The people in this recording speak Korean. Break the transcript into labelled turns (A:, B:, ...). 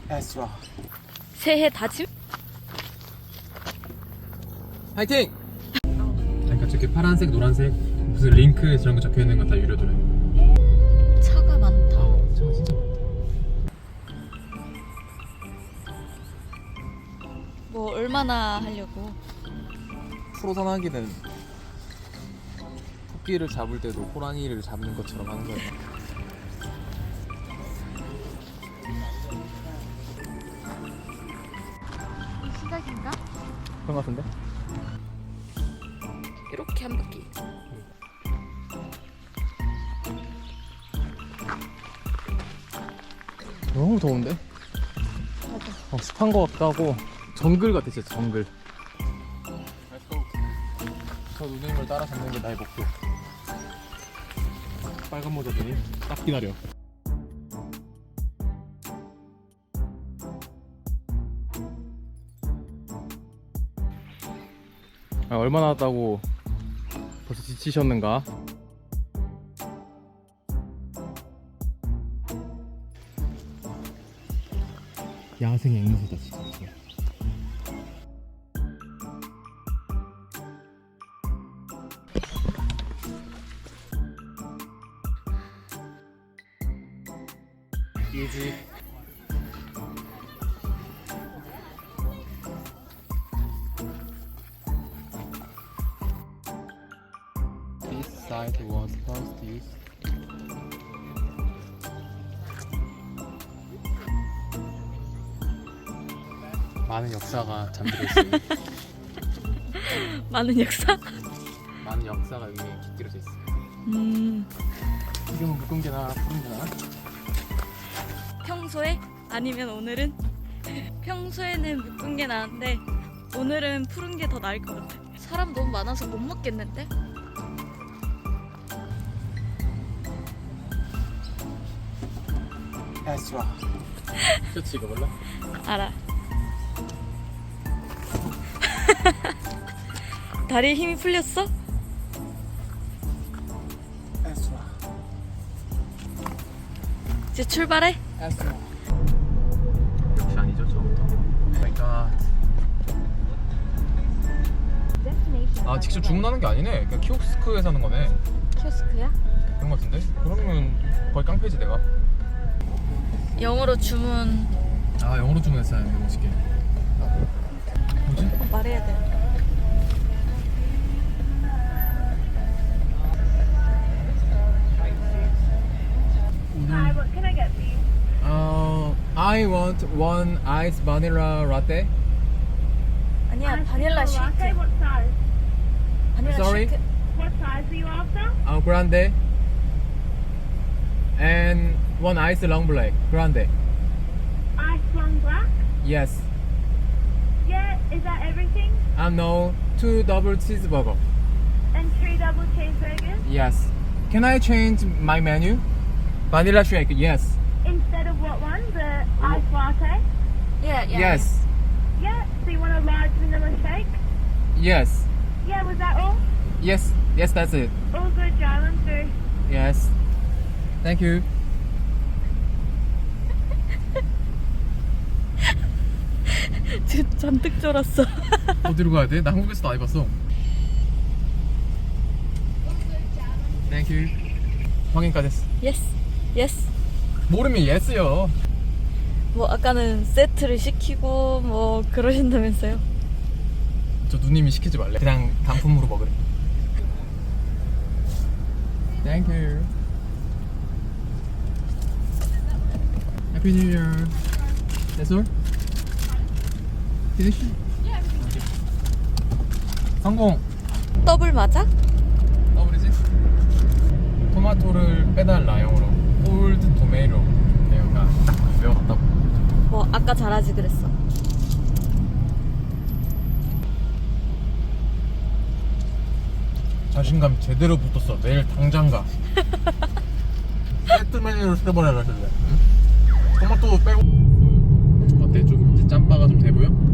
A: 에스라.
B: 새해 다짐?
A: 파이팅! 그러니까 저렇게 파란색, 노란색 무슨 링크 저런 거 적혀 있는 건 다 유료더래.
B: 차가 많다.
A: 차가 진짜 많다.
B: 뭐 얼마나 하려고?
A: 프로 산악인은 토끼를 잡을 때도 호랑이를 잡는 것처럼 하는 거예요.
B: 시작인가?
A: 그런 거 같은데?
B: 이렇게 한 바퀴.
A: 너무 더운데?
B: 맞아.
A: 습한 거 같기도 하고 정글 같아 진짜 정글. 저 누님을 따라 잡는 게 나의 목표. 빨간 모자 누님 딱 기다려. 얼마나 왔다고 벌써 지치셨는가? 야생 앵무새다 진짜. 유지. This site was first used. 많은 역사가 잠들어 있습니다.
B: 많은 역사?
A: 많은 역사가 여기에 깃들여져 있어요. 지금은 묵은 게나 푸른 게나?
B: 평소에? 아니면 오늘은? 평소에는 묶은 게 나은데 오늘은 푸른 게 더 나을 것 같아. 사람 너무 많아서 못 먹겠는데?
A: 에스라. 그렇지 이거 몰라?
B: 알아. 다리에 힘이 풀렸어?
A: 에스라.
B: 이제 출발해?
A: 에스라. 역시 아니죠 처음부터. 마이 갓. 아 직접 주문하는 게 아니네. 그냥 키오스크에서 하는 거네.
B: 키오스크야?
A: 그런 거 같은데? 그러면 거의 깡패지 내가.
B: 영어로 주문
A: 아 영어로 주문했어요. 이거 멋있게. 뭐지?
B: 말해야 돼.
C: Hi, what can I get for you?
A: I want one ice vanilla latte.
B: 아니야, 바닐라
C: Latte,
B: 쉐이크.
C: what size?
B: 바닐라
A: Sorry?
B: 쉐이크.
C: What size are you after?
A: Grande. And one ice long black. Grande.
C: Ice long black?
A: Yes.
C: Yeah, is that everything?
A: No, two double cheeseburger.
C: And 3 double cheeseburgers?
A: Yes. Can I change my menu? Vanilla shake. Yes.
C: Instead of what one? The ice latte?
B: Yeah, yeah.
A: Yes.
C: Yeah, so you want a large vanilla shake?
A: Yes.
C: Yeah, was that all?
A: Yes. Yes, that's it.
C: All good, Jarlin, through.
A: Yes. Thank you.
B: 지금 잔뜩 쫄았어.
A: 어디로 가야 돼? 나 한국에서도 안 해봤어. Thank you. 확인까지 했어.
B: Yes, yes.
A: 모르면 yes요.
B: 뭐 아까는 세트를 시키고 뭐 그러신다면서요?
A: 저 누님이 시키지 말래. 그냥 단품으로 먹으래. Thank you. Happy New Year. That's all? Finish? 성공.
B: 더블 맞아?
A: 더블이지? 토마토를 빼달라 영어로. 콜드 토메이로. 내가 딱 외워갔다고.
B: 뭐 아까 잘하지 그랬어.
A: 자신감 제대로 붙었어. 내일 당장 가. 세트 메뉴로 시켜버려라 실래. 토마토 빼고. 어때? 좀 이제 짬바가 좀 돼 보여?